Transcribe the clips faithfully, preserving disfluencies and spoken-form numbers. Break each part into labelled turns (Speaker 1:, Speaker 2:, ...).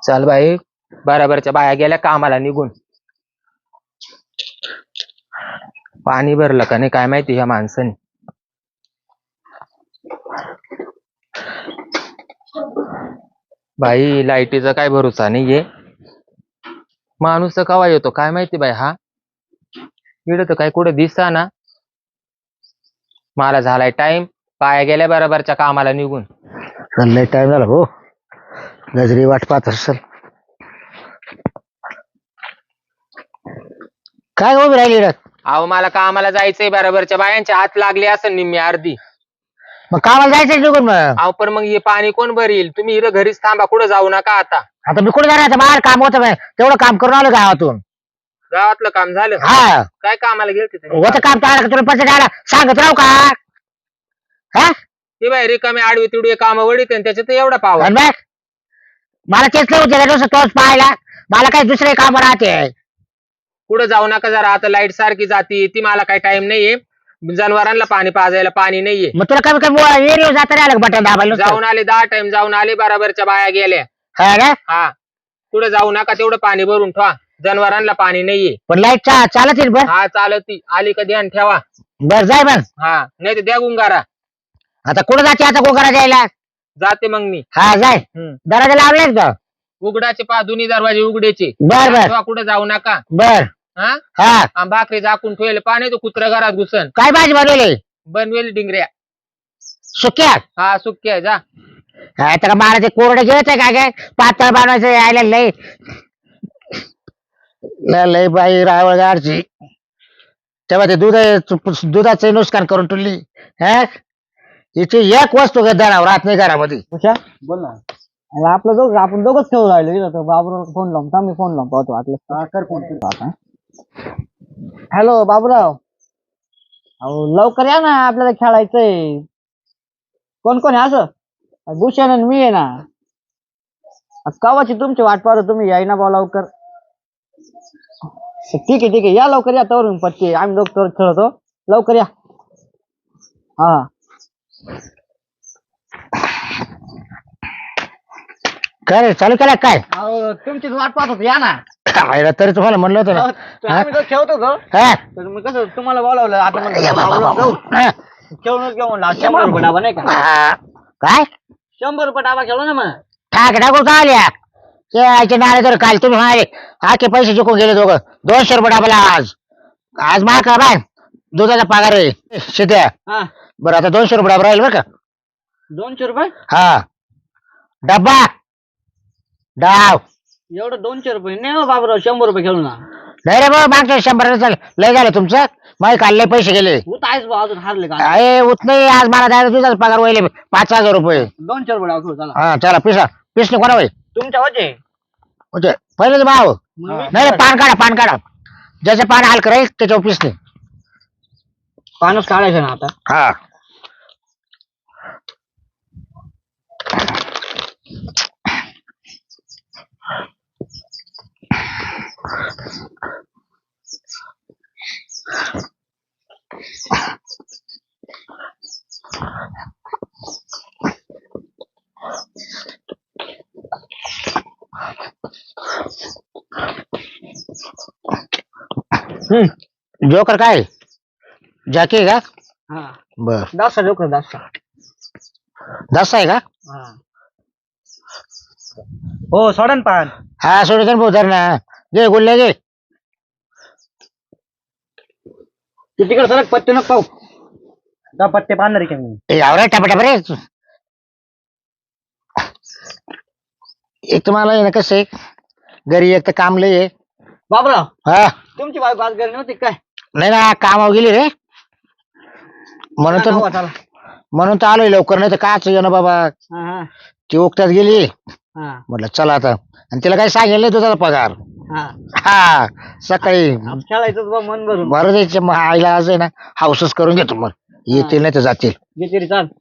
Speaker 1: चल बाई, बराबरच्या बाया गेल्या कामाला निघून. पाणी भरलं का नाही काय माहिती ह्या माणसाने. बाई लाईटीचा काय भरोसा नाहीये. माणूस तर कवा येतो काय माहिती बाई. हा इकडं तर काय कुठं दिसा ना. मला झालाय टाइम, बाया गेल्या बराबरच्या कामाला निघून.
Speaker 2: लय टाइम झाला हो, गजरी वाट पाहत असेल. काय उभी राहिली रे?
Speaker 1: अहो मला कामाला जायचंय, बराबरच्या बायांच्या हात लागले असं निम्मी अर्धी.
Speaker 2: मग कामाला जायचं निघून. मग
Speaker 1: अहो पण मग हे पाणी कोण भरील? तुम्ही इथं घरीच थांबा, कुठं जाऊ नका आता.
Speaker 2: आता मी कुठे जाणार? बाहेर काम होतं, तेवढं काम करून आलो गावातून.
Speaker 1: गावातलं काम झालं?
Speaker 2: हा,
Speaker 1: काय कामाला गेलते तुम्ही?
Speaker 2: होतं काम टाळा तुला पैसे द्यायला सांगत राहू का? हा,
Speaker 1: ते बाई रिकामे आडवे तिडवे काम वडीत आणि त्याच्यात एवढा पाव.
Speaker 2: आणि बघ, मला तेच नाही होते तोच पाहायला. मला काही दुसरे काम राहते.
Speaker 1: कुठं जाऊ नका जरा, आता लाईट सारखी जाती ती. मला काही टाइम नाहीये, जनावरांना पाणी पाजायला पाणी नाहीये.
Speaker 2: मग तुला कमी कमी एरिया जाता नाही आलं बटन दाबायला.
Speaker 1: जाऊन आले, दहा टाइम जाऊन आले, बराबरच्या बाया गेल्या.
Speaker 2: हा ना?
Speaker 1: हा, कुठं जाऊ नका, तेवढं पाणी भरून ठेवा, जनावरांना पाणी नाहीये.
Speaker 2: पण लाईट चालत येईल बर.
Speaker 1: हा चालती, आली का ध्यान ठेवा.
Speaker 2: बर जाय मग.
Speaker 1: हा नाही तर द्या गुंगारा.
Speaker 2: आता कुठं जाते आता गोकरा जायला?
Speaker 1: जाते मग मी.
Speaker 2: हा जाय.
Speaker 1: हम्म.
Speaker 2: दरवाजा लावलेच का?
Speaker 1: उघडाचे पा दोन्ही दरवाजे उघडायचे.
Speaker 2: बर बर
Speaker 1: तेव्हा कुठं जाऊ नका.
Speaker 2: बर.
Speaker 1: हा
Speaker 2: हा,
Speaker 1: आणि भाकरी झाकून ठेवले, पाणी तो कुत्रा घरात घुसन.
Speaker 2: काय भाजी बनवली?
Speaker 1: बनवेल डिंगऱ्या.
Speaker 2: सुक्या?
Speaker 1: हा सुक्या जा.
Speaker 2: काय तर मला ते कोरडे घ्यायचंय काय काय पातळ बनवायचं यायला लय लय लय बाई रावळ गाडची. तेव्हा ते दूध दुधाचं नुकसान करून ठेवली. हा, हिची एक वस्तू गद्दारावर राहत नाही घरामध्ये.
Speaker 3: बोल ना. आपलं दोघ आपण दोघच खेळू राहिलो. बाबूराव फोन लावून मी फोन लावून पाहतो वाटलं. कर फोन. हॅलो बाबूराव, अहो लवकर या ना, आपल्याला खेळायचंय. कोण कोण आहे? असं भूषण आणि मी आहे ना. कवाची तुमची वाट पाहतो, तुम्ही याय ना बा लवकर. ठीक आहे ठीक आहे, या लवकर या. तवरून पत्ते आम्ही दोघ तर खेळतो, लवकर या. हा
Speaker 2: काय रे, चालू केला काय?
Speaker 3: अहो तुमचीच वाट पाहत होतो, या ना.
Speaker 2: खायला तरी तुम्हाला म्हणलं होतं ना.
Speaker 3: आम्ही दोघ खेळतो ग.
Speaker 2: हा?
Speaker 3: तर मग कसं तुम्हाला बोलावलं आता. मग
Speaker 2: हा.
Speaker 3: खेळूनच घेऊ म्हणलं. शंभर रुपये डाबा नाही का?
Speaker 2: हा. काय
Speaker 3: शंभर रुपये डाबा खेळू ना मग.
Speaker 2: ठाक टाकून का आल्या ते आयचे नाळे? तर काल तुम्ही म्हणाले आखे पैसे जिंकून गेले दोघं. दोनशे रुपये डाबला आज. आज मा का बाय दुधाचा पगार आहे शेत्या.
Speaker 3: हा,
Speaker 2: बरं आता दोनशे रुपये डाबा राहील बरं का?
Speaker 3: दोनशे रुपये
Speaker 2: हा, डब्बा डाव.
Speaker 3: एवढं दोनशे रुपये नाही हो बाबूराव, शंभर रुपये खेळू ना.
Speaker 2: नाही रे बाबा, मागच्या शंभर लय झालं तुमचं. माही काल लय पैसे गेले.
Speaker 3: होत आहेच बा, अजून हारले का?
Speaker 2: अरे उत नाही, आज मला द्यायला दुधाचा पगार वहिले पाच हजार रुपये.
Speaker 3: दोनशे रुपये डाव खेळू चला.
Speaker 2: हा चला पिसा पिसने कोणा वय
Speaker 3: तुमच्या होते
Speaker 2: म्हणजे पहिलेच भाव. नाही रे, पान काढा पान काढा. ज्याचं पान हाल करायच त्याच्यावर पिसने.
Speaker 3: पानच काढायचं ना आता.
Speaker 2: हा, हम्म जोकर काय जाके का?
Speaker 3: हा,
Speaker 2: बर,
Speaker 3: दासा जोकर दासा.
Speaker 2: दस आहे का?
Speaker 3: हा हो, सोडन पान.
Speaker 2: हा सोडून भाऊ धर ना. घे गुल्ले घे.
Speaker 3: तिकडे सरक, पत्ते नको पाहू. जा पत्ते पाहणार आहे मी.
Speaker 2: यावर टपटप रे. एक तुम्हाला आहे ना कसं आहे, घरी एक तर काम लय आहे.
Speaker 3: बाबूराव,
Speaker 2: हा,
Speaker 3: तुमची बायको आज घरी नव्हती काय?
Speaker 2: नाही ना, कामावर गेली रे. म्हणून
Speaker 3: चला,
Speaker 2: तर
Speaker 3: चला.
Speaker 2: म्हणून तर आलोय लवकर, नाही तर काच ये ना बाबा.
Speaker 3: हा हा
Speaker 2: ती उकट्यात गेली.
Speaker 3: हा
Speaker 2: म्हटलं चला आता. आणि तिला काही सांगेल नाही तुझा पगार.
Speaker 3: हा.
Speaker 2: हा, सकाळी
Speaker 3: आज खेळायचंच बा, मन भरून.
Speaker 2: बरं द्यायचे. मग आईला आज आहे ना हाऊसच करून घेतो. मग येतील नाही तर जातील.
Speaker 3: घे तरी चाल.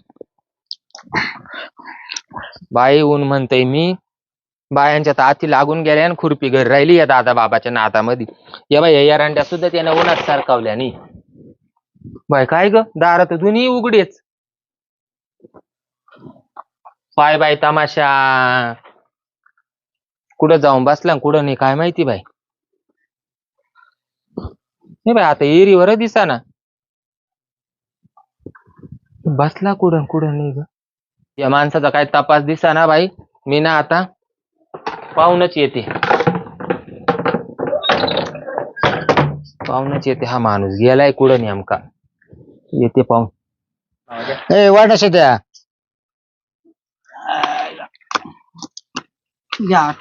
Speaker 1: बाई ऊन म्हणतय मी. बायांच्या ताती लागून गेल्या आणि खुरपी घरी राहिली या दादा बाबाच्या नातामध्ये. या बाई या रांड्या सुद्धा त्याने उन्हात सारखावल्या नाही. बाय काय ग, दारात तर दोन्ही उघडेच. पाय बाय तमाशा. कुठं जाऊन बसला आणि कुठं नाही काय माहिती बाई. नाही बाई आता एरीवर दिसा ना बसला कुठं कुठं नाही ग. या माणसाचा काय तपास दिसा ना बाई. मी ना आता पाहूनच येते पाहूनच येते हा माणूस गेलाय कुठं नेमका. येते पाहून.
Speaker 2: ए वाट शेत्या
Speaker 3: या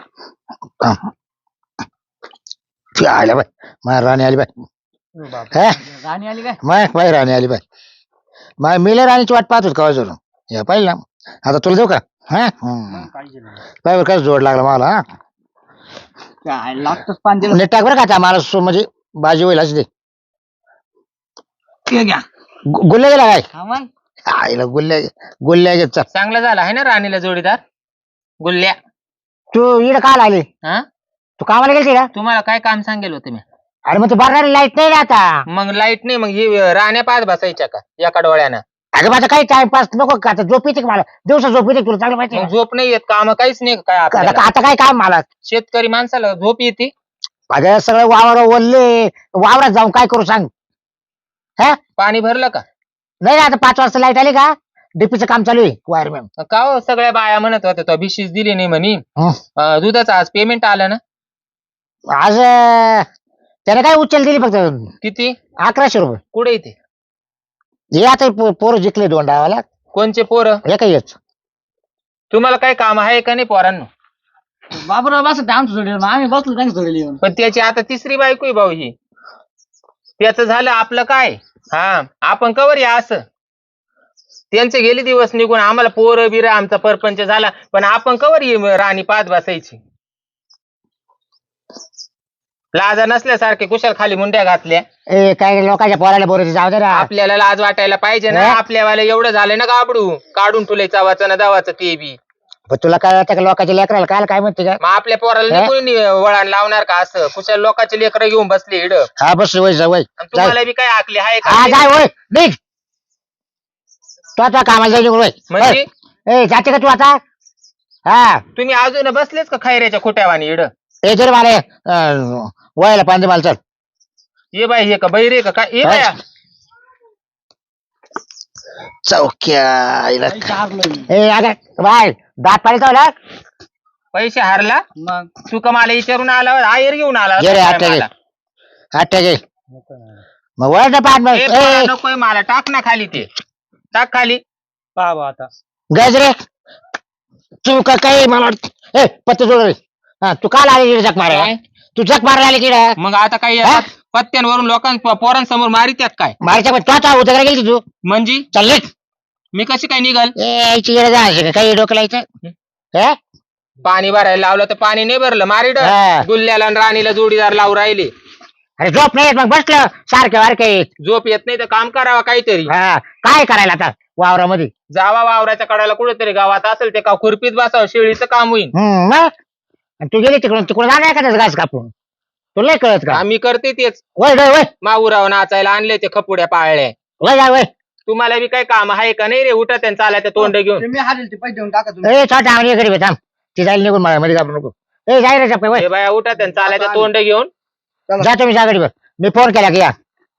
Speaker 2: ती आल्या बाय माझ्या राणी आली बाय. हा?
Speaker 3: राणी आली काय
Speaker 2: माय बाय राणी आली बाय. माय मिले राणीची वाट पाहत होत का जरूर या पाहिजे ना. आता तुला देऊ का हा पाय बरं कसं जोड लागला मला. हा
Speaker 3: काय लागतच पाच दिवस.
Speaker 2: नीट टाक बरं का आता मला सो म्हणजे बाजी होईल अशी दे.
Speaker 3: ते घ्या
Speaker 2: गु- गुल्ल्या गेला काय
Speaker 3: हा मग
Speaker 2: आईला गुल्ल्या गुल्ल्या घेत चल.
Speaker 1: चांगलं झालं आहे ना राणीला जोडीदार गुल्ल्या.
Speaker 2: तू इकडे काल आली
Speaker 1: हा
Speaker 2: तू कामाला गेलती का.
Speaker 1: तुम्हाला काय काम सांगेल होतं मी.
Speaker 2: अरे मग तू भरणारी लाईट नाही ना आता.
Speaker 1: मग लाईट नाही मग ही राण्या पाच बसायच्या का एका डोळ्यानं.
Speaker 2: अगं माझा काही टाइमपास नको का आता झोप येते का मला दिवसा झोप येते तुला चांगलं माहिती आहे
Speaker 1: मग झोप नाही येत काम काहीच नाही का काय
Speaker 2: का?
Speaker 1: आपल्याला.
Speaker 2: आता आता काय काम मला
Speaker 1: शेतकरी माणसाला झोप येते.
Speaker 2: अगं सगळं वावर ओलले वावरात जाऊन काय करू सांग. हा
Speaker 1: पाणी भरलं का.
Speaker 2: नाही ना आता पाच वाजता लाईट आली का डीपीचं काम चालू आहे वायरमॅन.
Speaker 1: का हो सगळ्या बाया म्हणत होत्या तो भिशीच दिली नाही म्हणे. अं, दुधाचं आज पेमेंट आलं ना.
Speaker 2: आज अं, त्याने काय उचल दिली फक्त
Speaker 1: किती
Speaker 2: अकराशे रुपये.
Speaker 1: कुठे इथे
Speaker 2: हे आता पो- पोरं जिंकले दोन डावाला
Speaker 1: कोणचे पोरं.
Speaker 2: हे काही येच
Speaker 1: तुम्हाला काय काम आहे का नाही पोरांनो.
Speaker 3: बाबूराव बसत आमचं जोडीला आम्ही बसलो त्यांनी जोडीला येऊन.
Speaker 1: पण त्याची आता तिसरी बायको आहे भाऊ ही. त्याचं झालं आपलं काय. हा आपण कवर या असं. त्यांचे गेले दिवस निघून आम्हाला पोरं बिरं आमचा परपंच झाला पण आपण कवर ये राणी पाच बसायची. लाजा नसल्यासारखे कुशाल खाली मुंड्या घातल्या.
Speaker 2: ए काय लोकांच्या पोराला बोरायचे जाऊ दे ना.
Speaker 1: आपल्याला लाज वाटायला पाहिजे ना.
Speaker 2: हे?
Speaker 1: आपल्यावाला एवढं झालं ना गाबडू काढून ठुले चावाचं ना दावाचं ते बी.
Speaker 2: पण तुला काय वाटतं का लोकांच्या लेकराला काय काय म्हणते का.
Speaker 1: मग आपल्या पोराला
Speaker 2: हे?
Speaker 1: नाही कोणी वळण लावणार का असं. कुशाल लोकांचे लेकरं घेऊन बसले इड.
Speaker 2: हा बस वय जा वय
Speaker 1: तुम्हाला बी काय आखले हाय
Speaker 2: हा
Speaker 1: का.
Speaker 2: जाय वय निघ तू आता कामाला जाईल वय
Speaker 1: म्हणजे
Speaker 2: ए जाते का तू आता. हा
Speaker 1: तुम्ही अजून बसलेच का खैऱ्याच्या खोट्यावानी इड.
Speaker 2: ते जर मला अं, वयाला पांदे मला चल.
Speaker 1: ये बाई हे का बहिरे का काय ये बाया.
Speaker 2: चौक्या
Speaker 3: चारलोय
Speaker 2: ए अगं बाय दात पाणी चावला.
Speaker 1: पैसे हारला
Speaker 3: मग
Speaker 1: तू का मला विचारून आला आयर घेऊन आला
Speaker 2: ये रे,
Speaker 1: काय
Speaker 2: आठ
Speaker 1: मला?
Speaker 2: आठ घे मग वय पाच
Speaker 1: ए, पोरा नकोय मला टाक ना खाली ते टाक खाली.
Speaker 3: पाहा आता
Speaker 2: गजरे तू का काही मला वाटतं ए पत्ते जोड रे. हा तू काल आली इकडे जग मारायला.
Speaker 1: काय?
Speaker 2: तू जग मारायला आली किडा
Speaker 1: मग आता काही
Speaker 2: हा?
Speaker 1: पत्त्यांवरून लोकां पोरांसमोर मारित्यात काय
Speaker 2: मारायच्या पण तू आता उद्या गेली तू
Speaker 1: म्हणजे
Speaker 2: चालले
Speaker 1: मी कशी काय निघाल.
Speaker 2: ए यायची इकडे जायचं का काही डोकं लायचं हे?
Speaker 1: पाणी भरायला लावलं तर पाणी नाही भरलं मारिड.
Speaker 2: हा.
Speaker 1: गुल्ल्याला आणि राणीला जोडीदार लावून राहिले.
Speaker 2: अरे झोप नाही येत मग बसलं सारखे वारखे.
Speaker 1: झोप येत नाही तर काम करावं काहीतरी.
Speaker 2: हा काय करायला आता वावरामध्ये.
Speaker 1: जावा वावराच्या कडाला कुठेतरी गावात असेल ते का खुरपीत बसावं शेळीचं काम होईल.
Speaker 2: हम्म मग आणि तू गेली तिकडून तिकडून जाणार का त्याचं घास कापून तुला नाही कळत का.
Speaker 1: आम्ही करते तेच.
Speaker 2: वय वय वय
Speaker 1: माऊराव नाचायला आणले ते खपुड्या पाळल्या.
Speaker 2: वय जा वय
Speaker 1: तुम्हाला बी काय काम आहे का नाही रे. उठा त्यांनी चालायचं तोंड घेऊन.
Speaker 3: मी हारेल ते पैसे देऊन टाका तुम्ही.
Speaker 2: ए छोटा आम्ही घरी थांब ती जाईल निघून मला मध्ये घाबरू नको. ए जाय रे चपके वय
Speaker 1: हे बाया उठा त्यांनी चालायचं तोंड घेऊन.
Speaker 2: जा तुम्ही जा गाडीवर मी फोन केला की या.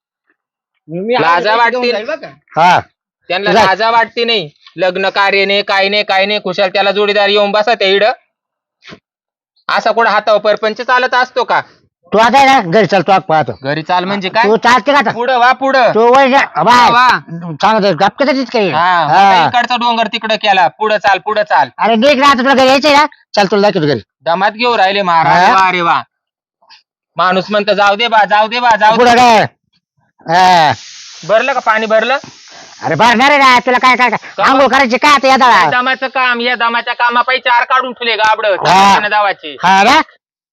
Speaker 3: मी हारेल
Speaker 1: लाजा
Speaker 3: पैसे
Speaker 1: वाटतील.
Speaker 3: देऊन जाईल बरं का.
Speaker 2: हा
Speaker 1: त्यांना
Speaker 2: तुझा-
Speaker 1: लाजा वाटते नाही. लग्न कार्य नाही काय नाही काय नाही कुशाल त्याला जोडीदार येऊन बसा त्या इड. असा कुठं हातावर परपंच चालत असतो का.
Speaker 2: तू आता आहे ना घरी चल तू आग पाहतो.
Speaker 1: घरी चाल म्हणजे काय
Speaker 2: तू चालते का आता
Speaker 1: पुढं वा पुढं.
Speaker 2: तू वय जा बाय
Speaker 1: वा.
Speaker 2: सांगत गप्प तिच काही
Speaker 1: हा
Speaker 2: हा.
Speaker 1: इकडचा डोंगर तिकडं केला पुढं चाल पुढं चाल.
Speaker 2: अरे निघ ना आता तुला घरी यायचंय ना चल तुला दाखवतो घरी
Speaker 1: दमात घेऊ राहिले महाराज.
Speaker 2: हा?
Speaker 1: वा रे वा. माणूस म्हणतो जाऊ दे बा जाऊ दे बा जाऊ दे.
Speaker 2: पुढं काय हा.
Speaker 1: भरलं का पाणी भरलं.
Speaker 2: अरे भरणार आहे ना तुला काय काय काय आंघोळ करायची काय आता
Speaker 1: या
Speaker 2: या
Speaker 1: दमाचं काम या दमाच्या कामापायी चार काढून ठेवले गाबड
Speaker 2: हा.
Speaker 1: दावाचे.
Speaker 2: हा ना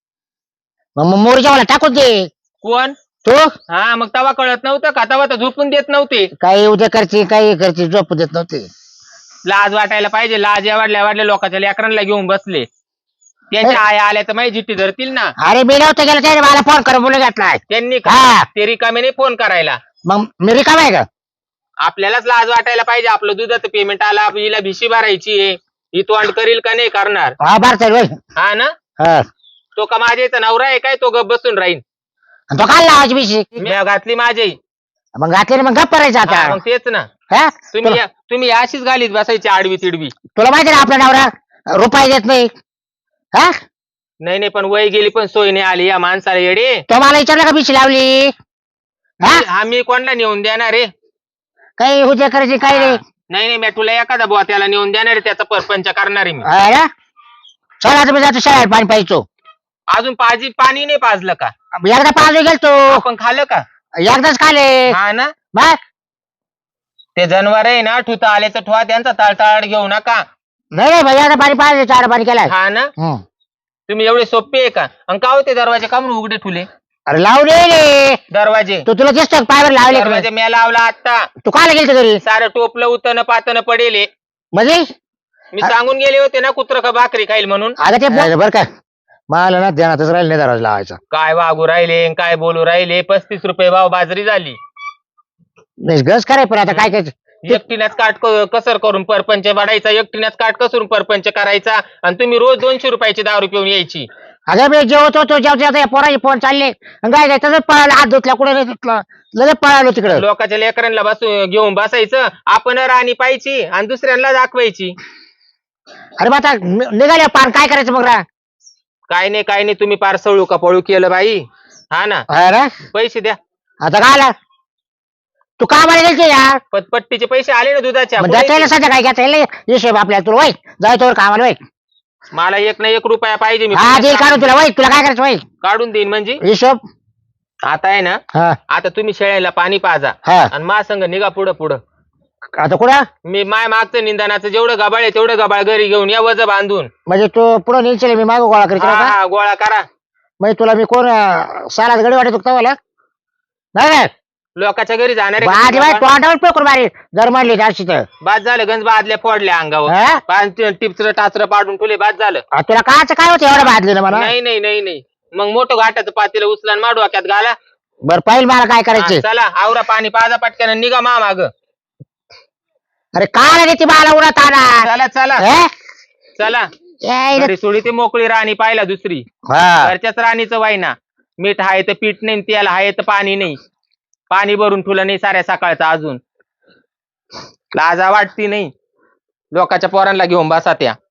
Speaker 2: मग मोरीच्या मला टाकून दे
Speaker 1: कोण
Speaker 2: तू
Speaker 1: हा मग तवा कळत नव्हतं का तवा तर झोपून देत नव्हते.
Speaker 2: काही उद्या करची काही करची झोप देत नव्हते.
Speaker 1: लाज वाटायला पाहिजे. लाज या वाढल्या वाढल्या लोकांच्या लेकरांना घेऊन बसले. त्यांच्या आया आल्या तर माझी जिट्टी धरतील ना.
Speaker 2: अरे मी नव्हतं गेलं त्याने मला फोन करून बोलू घातलाय
Speaker 1: त्यांनी
Speaker 2: हा.
Speaker 1: ते रिकामे नाही फोन करायला.
Speaker 2: मग मी रिकाम आहे का
Speaker 1: आपल्यालाच लाज वाटायला पाहिजे. आपलं दुधाचं पेमेंट आलं हिला भिशी भरायची आहे. ही तोंड करील का नाही करणार.
Speaker 2: हा भरता होय
Speaker 1: हा ना
Speaker 2: हा आणि
Speaker 1: तो का माझ्याचा नवरा आहे काय तो गप बसून राहीन?
Speaker 2: तो काय लावायची बिशी
Speaker 1: मी घातली माझी.
Speaker 2: मग घातली ना मग गप्प करायचं
Speaker 1: हा,
Speaker 2: आता
Speaker 1: मग तेच ना.
Speaker 2: हा
Speaker 1: तुम्ही या- तुम्ही अशीच घालीत बसायची आडवी तिडवी.
Speaker 2: तुला माहिती ना आपला नवरा रुपये देत नाही हा
Speaker 1: नाही नाही पण वय गेली पण सोय नाही आली या माणसाला येडे.
Speaker 2: तो मला विचारलं का बिशी लावली हा
Speaker 1: हा मी कोणाला नेऊन देणार रे?
Speaker 2: काही हुजे करायची काही नाही
Speaker 1: नाही नाही मी तुला एखादा बुवा त्याला नेऊन देणार आहे, त्याचा परपंच करणार आहे मी.
Speaker 2: हा ना? चला तुम्ही जातो शाळेत पाणी पाहिजो
Speaker 1: अजून पाजी पाणी नाही पाजलं का?
Speaker 2: एकदा पाजू गेलतो
Speaker 1: आपण खाल्लं का?
Speaker 2: एकदाच खाले
Speaker 1: हा ना.
Speaker 2: बघ
Speaker 1: ते जनावर आहे ना ठुता आले तर ठुवा त्यांचा ताळताळ घेऊ नका.
Speaker 2: नाही नाही भैया पाणी पाहिजे चार पाणी केलाय
Speaker 1: हा ना.
Speaker 2: हम्म.
Speaker 1: तुम्ही एवढे सोपे आहे का? आणि का होते दरवाजे का म्हणून उघडे ठुले
Speaker 2: अरे लावले रे
Speaker 1: दरवाजे?
Speaker 2: तू तुला दिसतो पायवर लावले का
Speaker 1: दरवाजे
Speaker 2: नाही?
Speaker 1: मी लावला आता.
Speaker 2: तू कायला गेलतो घरी
Speaker 1: सारं टोपलं उतन पातन पडेल.
Speaker 2: म्हणजे
Speaker 1: मी सांगून गेले होते ना कुत्र का भाकरी खाईल म्हणून.
Speaker 2: अगं ते बरं का मला ना ध्यानातच राहिलं नाही दरवाजा लावायचा
Speaker 1: काय वागू राहिले आणि काय बोलू राहिले. पस्तीस रुपये भाव बाजरी झाली.
Speaker 2: नाही गस कराय पण आता काय करायचं
Speaker 1: एकटीनेच काट क- कसर करून परपंच वाढायचा, एकटीनेच काट कसून परपंच करायचा आणि तुम्ही रोज दोनशे रुपयाची दारू पिऊन यायची.
Speaker 2: अगं मी जेवत होतो जेवत जेवत पोराचे फोन चालले आणि काय काय तसंच पळाला हात धुतला कुठे नाही धुतला लगेच पळालो तिकडं
Speaker 1: लोकांच्या लेकरांना बसू घेऊन बसायचं, आपण राणी पाहायची आणि दुसऱ्यांना दाखवायची.
Speaker 2: अरे मग आता नि- निघाले पार काय करायचं मग रा
Speaker 1: काय नाही काय नाही तुम्ही पार सळू का पळू केलं बाई. हा ना.
Speaker 2: हा ना?
Speaker 1: पैसे द्या.
Speaker 2: आता काय आला तू का मला गेलते यार
Speaker 1: पटपट्टीचे पैसे आले ना दुधाच्या.
Speaker 2: मग
Speaker 1: पुढे
Speaker 2: जाता येईल सध्या काय घ्यायचं येईल हिशोब आपल्याला तुला वाईट जायचं कामाला वाईट
Speaker 1: मला एक ना एक रुपया पाहिजे. मी
Speaker 2: हा देईल काढून तुला वाईट तुला काय करायचं वाईट
Speaker 1: काढून देईन म्हणजे.
Speaker 2: हिशोब
Speaker 1: आता आहे ना.
Speaker 2: हा
Speaker 1: आता तुम्ही शेळ्याला पाणी पाजा
Speaker 2: हा
Speaker 1: आणि मा संग निघा पुढं पुढं.
Speaker 2: आता कुठं
Speaker 1: मी माय मागचं निंदनाचं जेवढं गबाळ आहे तेवढं गबाळ घरी घेऊन या वज बांधून.
Speaker 2: म्हणजे तू पुढं निघशील मी मागं गोळा करीत
Speaker 1: हा,
Speaker 2: राहू का
Speaker 1: हा, गोळा करा.
Speaker 2: म्हणजे तुला मी कोण अं, सालात गडी वाटत होता मला नाही नाही
Speaker 1: लोकांच्या घरी जाणार आहे
Speaker 2: बाजी बाई
Speaker 1: का?
Speaker 2: तोंडावर पेकून मारी जर म्हणली जास्त तर
Speaker 1: बाद झालं गंज बादल्या फोडल्या अंगावर.
Speaker 2: हा?
Speaker 1: पाच टिपचं टाचर पाडून ठेवले बाद झालं.
Speaker 2: आ, तुला काच काय होतं एवढं भाजली ना मला
Speaker 1: नाही नाही नाही नाही मग मोठं घाटाचं पातेलं उचला आणि माडू वाक्यात घाला.
Speaker 2: बरं पाहिजे मला काय
Speaker 1: हा,
Speaker 2: करायचे
Speaker 1: चला आवरा पाणी पाजा पटक्यानं आणि निघा मा माग.
Speaker 2: अरे काय रे ती मला उडत आला
Speaker 1: चला चला
Speaker 2: हे?
Speaker 1: चला.
Speaker 2: ए,
Speaker 1: घरी सोडी ते मोकळी राणी पाहिला दुसरी.
Speaker 2: हा.
Speaker 1: घरच्याच राणीचं वाईना. मीठ आहे तर पीठ नाही, तेल आहे तर पाणी नाही. पाणी भरून ठेवलं नाही साऱ्या सकाळचं अजून. लाजा वाटती नाही. लोकांच्या पोरांना घेऊन बसा त्या.